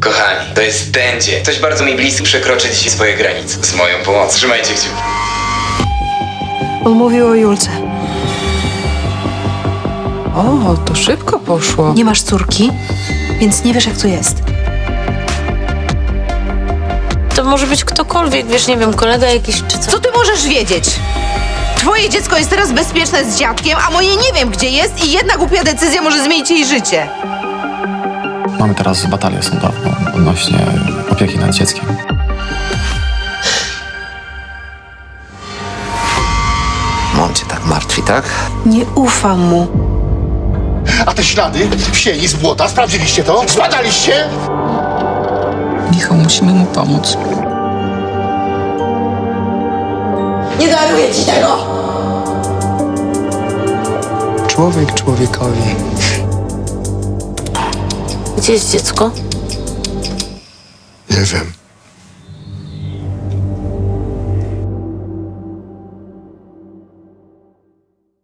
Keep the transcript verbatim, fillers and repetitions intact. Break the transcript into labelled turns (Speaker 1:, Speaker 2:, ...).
Speaker 1: Kochani, to jest ten dzień. Ktoś bardzo mi bliski przekroczy dzisiaj swoje granice. Z moją pomocą. Trzymajcie kciuki.
Speaker 2: On mówił o Julce.
Speaker 3: O, to szybko poszło.
Speaker 2: Nie masz córki, więc nie wiesz, jak to jest.
Speaker 4: To może być ktokolwiek, wiesz, nie wiem, kolega jakiś czy co.
Speaker 5: Co ty możesz wiedzieć? Twoje dziecko jest teraz bezpieczne z dziadkiem, a moje nie wiem, gdzie jest i jedna głupia decyzja może zmienić jej życie.
Speaker 6: Mamy teraz batalię sądową odnośnie opieki nad dzieckiem.
Speaker 7: On cię tak martwi, tak?
Speaker 2: Nie ufam mu.
Speaker 8: A te ślady w sieni z błota, sprawdziliście to? Zbadaliście?
Speaker 3: Michał, musimy mu pomóc.
Speaker 5: Nie daruję ci tego!
Speaker 9: Człowiek człowiekowi.
Speaker 4: Gdzie jest dziecko?
Speaker 9: Nie wiem.